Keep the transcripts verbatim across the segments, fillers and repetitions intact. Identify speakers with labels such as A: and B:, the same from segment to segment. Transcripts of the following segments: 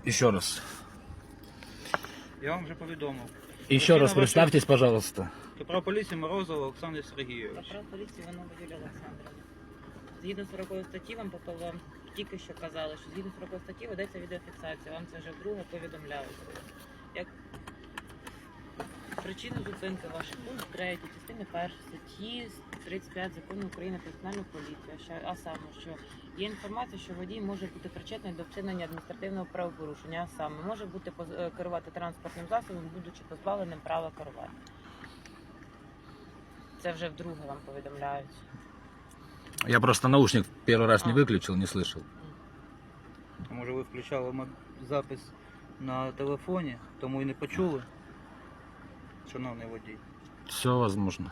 A: Еще раз.
B: Я вам вже повідомив.
A: Еще раз представьтесь, пожалуйста.
B: Капрал поліції Морозова Олександр Сергійович.
C: Капрал поліції Іванова Юлія Олександрівна. Згідно сорокової статті, вам попав- вам тільки що казали, що згідно сорокової статті ведеться відеофіксація. Вам це вже вдруге повідомляють. Як причину зупинки ваших пункт третій, частини першої статті тридцять п'ять Закону України про національну поліцію. А що- А саме, що є інформація, що водій може бути причетний до вчинення адміністративного правопорушення, а саме може бути поз- е, керувати транспортним засобом, будучи позбавленим права керувати. Це вже вдруге вам повідомляють.
A: Я просто наушник первый раз не выключил, не слышал.
B: А може ви включали м- запис на телефоні, тому і не почули? Шановний водій.
A: Все возможно.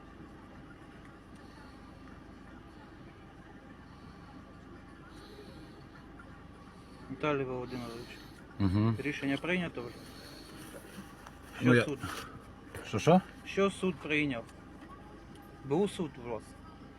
B: Віталій Володимирович,
A: Угу.
B: рішення прийнято вже? Що
A: Ну, я-
B: суд?
A: Что-что?
B: Що суд прийняв? Був суд у вас?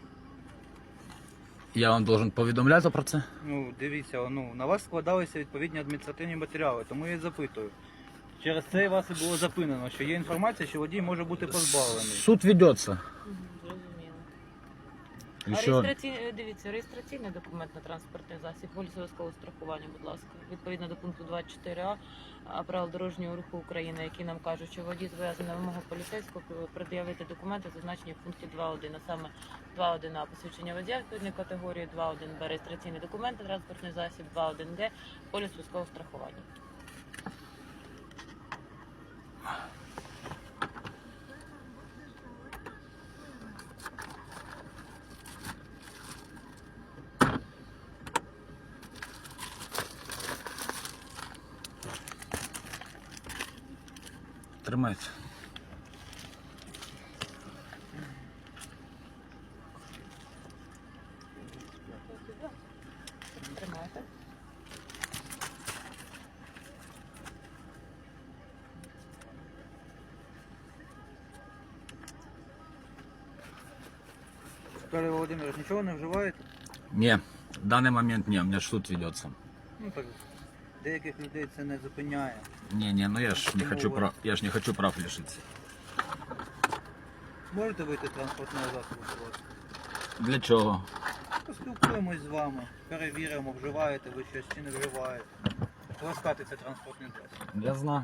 A: Я вам должен повідомляти про це?
B: Ну, дивіться, ну, на вас складалися відповідні адміністративні матеріали, тому я і запитую. Через це вас і було запинено, що є інформація, що водій може бути позбавлений.
A: Суд ведется.
C: Мгм, Зрозуміло. А
A: Еще...
C: реєстраційний, дивіться, реєстраційний документ на транспортний засіб, поліс обов'язкового страхування, будь ласка. Відповідно до пункту двадцять чотири а а, правил дорожнього руху України, які нам кажуть, що водій зобов'язаний на вимогу поліцейського пред'явити документи, зазначені в пункті два один, а саме два один а посвідчення водія відповідної категорії, два один б реєстраційний документ на транспортний засіб, два один г поліс військового страхування.
A: Тримайте.
C: Тримайте.
B: Віталій Володимирович, нічого не вживаєте?
A: Не, в данный момент не, у меня ж суд ведется.
B: Ну так, деяких людей це не зупиняє.
A: Не, не, ну я ж не
B: Почему
A: хочу
B: вы-
A: прав, я ж не хочу прав лишиться.
B: Можете вийти з транспортного засобу, будь ласка?
A: Для чого?
B: Поспілкуємось з вами, перевіримо, вживаєте ви щось чи не вживаєте. Ласкати це транспортний засіб.
A: Я знаю.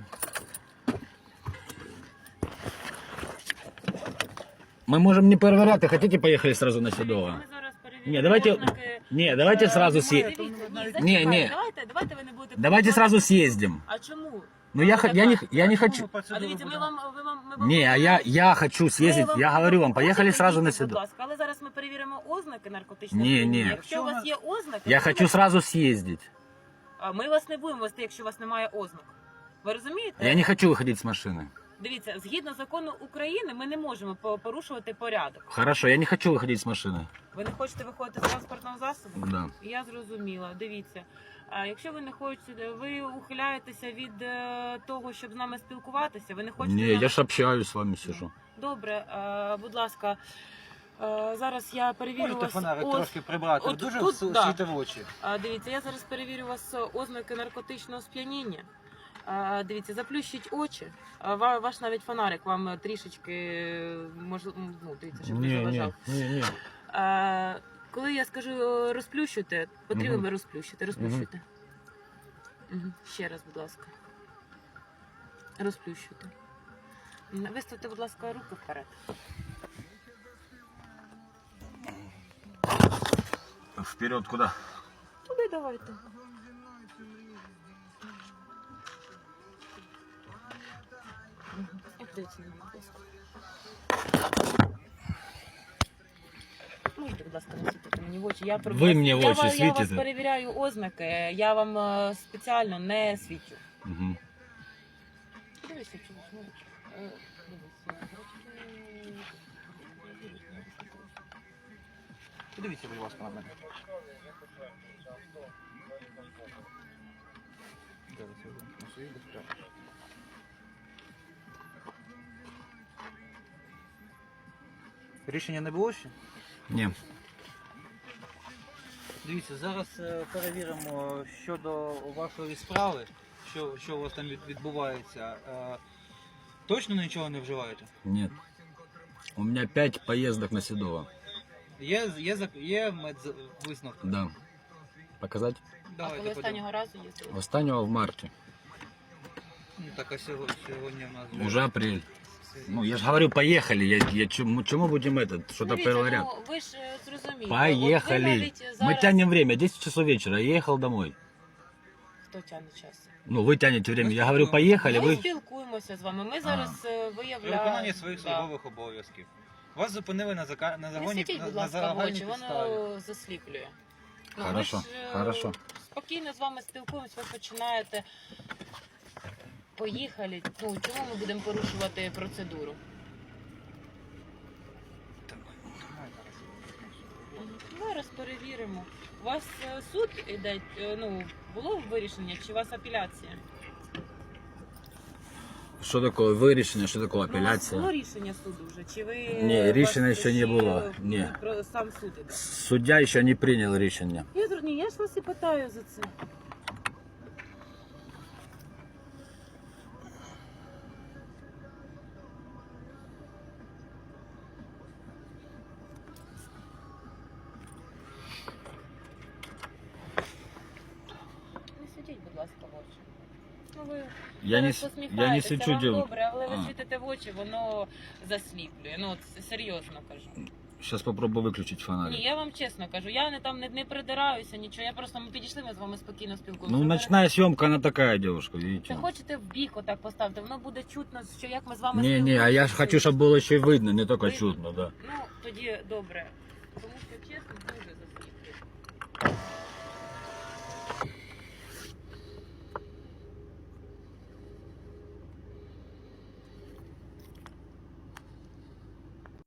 A: Мы можем не перевіряти, хотите поехали сразу на Седово?
C: Ми зараз перевіримо
A: Не, давайте,
C: ознаки.
A: не, давайте сразу
C: Дивіться,
A: съездим.
C: ні,
A: Не,
C: зачекайте,
A: не.
C: Давайте, давайте ви не будете...
A: Давайте сразу съездим.
C: А чому?
A: Ну я, х- я, не, я не хочу.
C: А дивіться, ми вам... Ви вам ми вам
A: Не, а я, я хочу
C: Ми
A: съездить,
C: вам-
A: я говорю вам, поехали
C: Можете
A: сразу на
C: їхати, будь
A: Седово.
C: ласка, але зараз ми перевіримо ознаки наркотичних
A: Ні,
C: сп'яніння.
A: ні.
C: Якщо у вас є ознаки,
A: Я
C: то
A: хочу
C: ви-
A: сразу съездить.
C: А ми вас не будемо вести, якщо у вас немає ознак. Ви розумієте?
A: Я не хочу выходить с машины.
C: Дивіться, згідно закону України, ми не можемо по- порушувати порядок.
A: Хорошо, я не хочу выходить с машины.
C: Ви не хочете виходити з транспортного засобу?
A: Да.
C: Я зрозуміла. Дивіться, а якщо ви не хочете, ви ухиляєтеся від е, того, щоб з нами спілкуватися, ви не хочете...
A: Не,
C: нам-
A: я ж общаюсь с вами, сижу.
C: Добре, е, будь ласка, е, зараз я перевірю
B: Можете
C: вас...
B: фонарик
C: оз-
B: трошки прибрати,
C: от
B: дуже
C: тут,
B: су-
C: да.
B: світе в очі.
C: А, дивіться, я зараз перевірю у вас ознаки наркотичного сп'яніння. А, дивіться, заплющіть очі. А, ва- ваш навіть фонарик вам трішечки можливо, ну, дивіться, щоб не
A: Не,
C: заважав.
A: не, не, не.
C: А, коли я скажу е, розплющуйте, потрібно
A: Мгм.
C: розплющити. Розплющуйте. Мгм. Ще раз, будь ласка. Розплющуйте. М, Виставте, будь ласка, руки вперед.
A: Вперед куда?
C: Туди давайте. Мгм. І подивіться на мене, будь ласка. Можете, будь ласка, не світити мені в очі. Я, про-
A: Ви мені в
C: я,
A: очі
C: ва- Я вас
A: світите?
C: перевіряю ознаки, я вам е, спеціально не свічу.
A: Угу.
C: Подивися, чому ж, ну, е, дивися.
B: Подивіться, будь ласка, на мене. Зараз я вимкну свої безпеки. Рішення не було ще?
A: Не.
B: Дивіться, зараз е, перевіримо щодо вашої справи, що, що у вас там від- відбувається. Е, Точно нічого не вживаєте?
A: Нет. У меня пять поездок на Седово.
B: Є, є, зак- є медвисновки?
A: Да. Показать?
C: А
B: Давайте
C: коли
B: подивимось.
C: останнього разу їздили?
A: Останнего в марте.
B: Ну, так, а сьогодні, сьогодні в нас
A: Уже апрель. Ну, я же говорю, поехали. Я, я чему, чему будем это? Что-то
C: Дивіться,
A: первый ряд.
C: ну, ви ж е, зрозумієте.
A: Поехали.
C: От ви навіть
A: Мы
C: зараз...
A: тянем время. десять часов вечера. Я ехал домой.
C: Хто тягне час?
A: Ну, вы тянете время.
B: Мы
A: Я говорю,
B: спокойно.
A: поехали.
C: Ми
A: Вы...
C: спілкуємося з вами. Ми зараз е,
B: При
C: виявляємо...
B: виконанні своїх
C: Да.
B: службових обов'язків. Вас зупинили на, зака... на
C: Не
B: загоні
C: світіть,
B: на,
C: будь
B: на
C: ласка, в
B: загальній
C: очі,
B: підставі.
C: воно засліплює. Ну, ми
A: Хорошо,
C: ж, е,
A: хорошо.
C: Спокійно з вами спілкуємось, ви починаєте. Поїхали. Ну, чому ми будемо порушувати процедуру?
B: Так, давай зараз.
C: Зараз перевіримо. У вас е, суд іде, е, ну, було вирішення, чи у вас апеляція?
A: Что такое вирішення, що таке
C: Ну, у вас
A: апеляція?
C: було рішення суду вже? Чи ви...
A: Ні,
C: у вас
A: рішення ще не
C: ще,
A: було.
C: ну,
A: Ні.
C: Про сам суд іде.
A: Суддя ще не прийняв рішення.
C: Я, зр- ні, я ж вас і питаю за це. Не світіть, будь ласка, в очі. Ну, ви
A: Я не,
C: зараз
A: с- я не
C: посміхаєтеся,
A: свечу
C: вам
A: делу.
C: добре, але ви
A: А.
C: світите в очі, воно засліплює. Ну, от с- серйозно кажу.
A: Сейчас попробую виключити фонарик.
C: Ні, я вам чесно кажу, я не там не, не придираюся, нічого. Я просто ми підійшли, ми з вами спокійно спілкуємося.
A: Ну,
C: Ви
A: ночная съемка, она такая девушка,
C: Це
A: видите.
C: хочете в бік отак поставити, воно буде чутно, що як ми з вами
A: Не, не, а
C: спілкуємося.
A: я ж хочу, щоб було ще й видно, не тільки
C: Видно?
A: чутно, да.
C: Ну, тоді добре. Тому що чесно, дуже засліплює.